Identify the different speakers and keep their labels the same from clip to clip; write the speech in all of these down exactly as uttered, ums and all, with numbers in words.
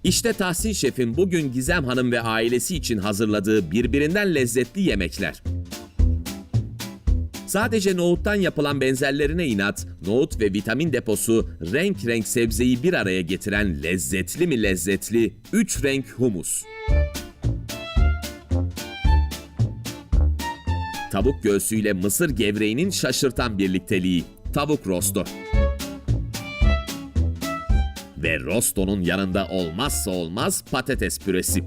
Speaker 1: İşte Tahsin Şef'in bugün Gizem Hanım ve ailesi için hazırladığı birbirinden lezzetli yemekler. Sadece nohuttan yapılan benzerlerine inat, nohut ve vitamin deposu renk renk sebzeyi bir araya getiren lezzetli mi lezzetli üç renk humus. Tavuk göğsüyle mısır gevreğinin şaşırtan birlikteliği, tavuk rosto. Ve rostonun yanında olmazsa olmaz patates püresi.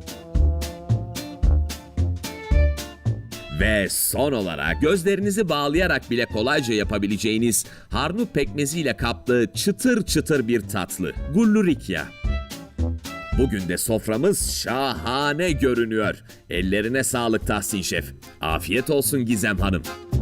Speaker 1: Ve son olarak gözlerinizi bağlayarak bile kolayca yapabileceğiniz harnut pekmeziyle kaplı çıtır çıtır bir tatlı, gullurikya. Bugün de soframız şahane görünüyor. Ellerine sağlık Tahsin Şef. Afiyet olsun Gizem Hanım.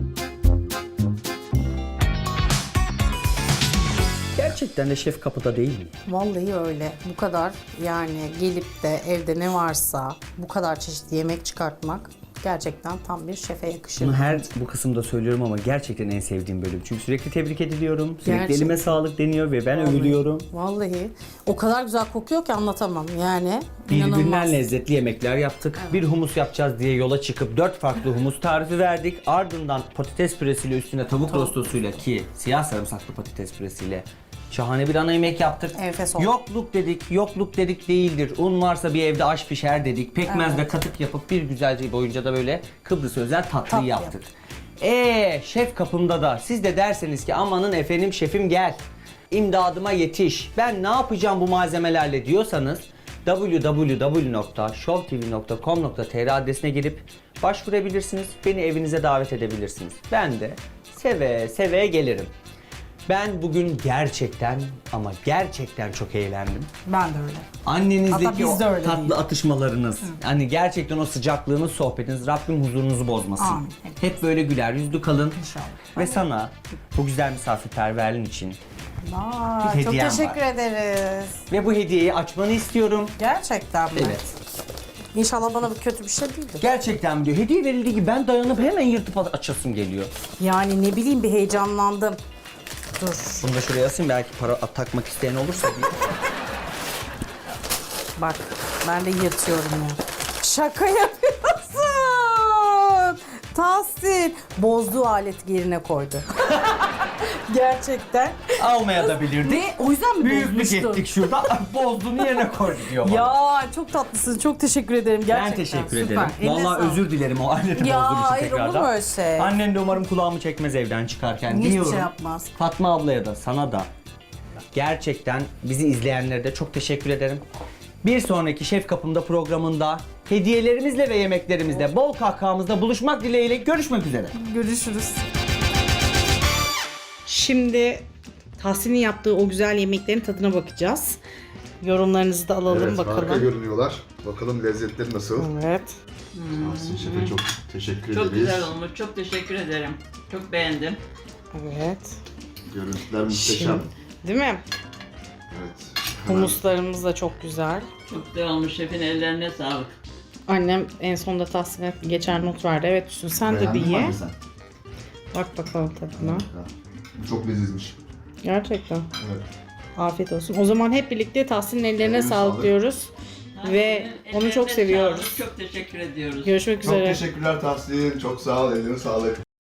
Speaker 2: Gerçekten de şef kapıda değil mi?
Speaker 3: Vallahi öyle. Bu kadar yani gelip de evde ne varsa bu kadar çeşitli yemek çıkartmak gerçekten tam bir şefe yakışır.
Speaker 2: Bunu her bu kısımda söylüyorum ama gerçekten en sevdiğim bölüm. Çünkü sürekli tebrik ediliyorum. Sürekli
Speaker 3: Gerçekten.
Speaker 2: elime sağlık deniyor ve ben övülüyorum.
Speaker 3: Vallahi o kadar güzel kokuyor ki anlatamam yani.
Speaker 2: Birbirinden
Speaker 3: İnanılmaz.
Speaker 2: lezzetli yemekler yaptık. Bir humus yapacağız diye yola çıkıp dört farklı humus tarifi verdik. Ardından patates püresiyle üstüne tavuk rostosuyla ki siyah sarımsaklı patates püresiyle şahane bir ana yemek yaptık.
Speaker 3: Enfes oldu.
Speaker 2: Yokluk dedik, yokluk dedik değildir. Un varsa bir evde aş pişer dedik. Pekmez ve katık yapıp bir güzelce boyunca da böyle Kıbrıs özel tatlıyı
Speaker 3: Tatlı
Speaker 2: yaptık. Eee şef kapımda da siz de derseniz ki amanın efendim şefim gel. İmdadıma yetiş. Ben ne yapacağım bu malzemelerle diyorsanız w w w nokta show t v nokta com nokta t r adresine girip başvurabilirsiniz. Beni evinize davet edebilirsiniz. Ben de seve seve gelirim. Ben bugün gerçekten ama gerçekten çok eğlendim.
Speaker 3: Ben de öyle.
Speaker 2: Annenizdeki
Speaker 3: Hatta biz
Speaker 2: o
Speaker 3: de öyle
Speaker 2: tatlı
Speaker 3: değil.
Speaker 2: atışmalarınız, hani gerçekten o sıcaklığınız, sohbetiniz, Rabbim huzurunuzu bozmasın.
Speaker 3: Amin.
Speaker 2: Hep böyle güler yüzlü kalın.
Speaker 3: İnşallah.
Speaker 2: Ve sana bu güzel misafirperverliğin için
Speaker 3: Aa,
Speaker 2: Bir
Speaker 3: çok
Speaker 2: hediyem
Speaker 3: teşekkür
Speaker 2: var.
Speaker 3: ederiz.
Speaker 2: ve bu hediyeyi açmanı istiyorum.
Speaker 3: Gerçekten mi?
Speaker 2: Evet.
Speaker 3: İnşallah bana bu kötü bir şey değildir.
Speaker 2: Gerçekten diyor. Hediye verildiği gibi ben dayanıp hemen yırtıp açasım geliyor.
Speaker 3: Yani ne bileyim bir heyecanlandım. Dur.
Speaker 2: Bunu da şuraya asayım, belki para takmak isteyen olursa diye.
Speaker 3: Bak ben de yırtıyorum ya. Şaka yapıyorsun. Tahsin. Bozduğu aleti yerine koydu. Gerçekten.
Speaker 2: Almaya da bilirdik.
Speaker 3: Ve o yüzden mi
Speaker 2: Büyüklük
Speaker 3: bozmuştun?
Speaker 2: ettik şurada. Bozduğunu yerine koydu diyor bana.
Speaker 3: Ya çok tatlısın. Çok teşekkür ederim gerçekten.
Speaker 2: Ben teşekkür
Speaker 3: Süper.
Speaker 2: ederim.
Speaker 3: Eline
Speaker 2: Vallahi
Speaker 3: sağlık.
Speaker 2: özür dilerim o aleti
Speaker 3: Ya,
Speaker 2: bozduğum için
Speaker 3: hayır, olur
Speaker 2: tekrardan.
Speaker 3: mu öyle şey?
Speaker 2: Annen de umarım kulağımı çekmez evden çıkarken
Speaker 3: Hiçbir
Speaker 2: diyorum.
Speaker 3: şey yapmaz.
Speaker 2: Fatma ablaya da sana da gerçekten bizi izleyenlere de çok teşekkür ederim. Bir sonraki Şef Kapımda programında hediyelerimizle ve yemeklerimizle bol kahkahamızda buluşmak dileğiyle görüşmek üzere.
Speaker 3: Görüşürüz.
Speaker 4: Şimdi Tahsin'in yaptığı o güzel yemeklerin tadına bakacağız. Yorumlarınızı da alalım
Speaker 5: Evet, harika
Speaker 4: bakalım.
Speaker 5: görünüyorlar. Bakalım lezzetleri nasıl?
Speaker 4: Evet.
Speaker 5: Tahsin Şef'e çok teşekkür
Speaker 6: Çok
Speaker 5: ederiz.
Speaker 6: güzel olmuş. Çok teşekkür ederim. Çok beğendim.
Speaker 4: Evet.
Speaker 5: Görüntüler muhteşem.
Speaker 4: Şimdi, değil mi?
Speaker 5: Evet. Hemen
Speaker 4: Humuslarımız da çok güzel.
Speaker 6: Çok güzel olmuş. Şefin ellerine sağlık.
Speaker 4: Annem en sonunda Tahsin'e geçer not verdi. Evet Hüsnü sen de bir
Speaker 5: beğendin mi
Speaker 4: ye.
Speaker 5: anne sen?
Speaker 4: Bak bakalım tadına.
Speaker 5: Ha, bu çok lezizmiş.
Speaker 4: Gerçekten.
Speaker 5: Evet.
Speaker 4: Afiyet olsun. O zaman hep birlikte Tahsin'in ellerine
Speaker 5: Ellerine
Speaker 4: sağlık
Speaker 5: sağlık.
Speaker 4: diyoruz. Ve
Speaker 6: Ellerine
Speaker 4: onu çok
Speaker 6: sağlık.
Speaker 4: seviyoruz.
Speaker 6: Çok teşekkür ediyoruz.
Speaker 4: Görüşmek
Speaker 5: Çok
Speaker 4: üzere.
Speaker 5: teşekkürler Tahsin. Çok sağ ol. Eline sağlık.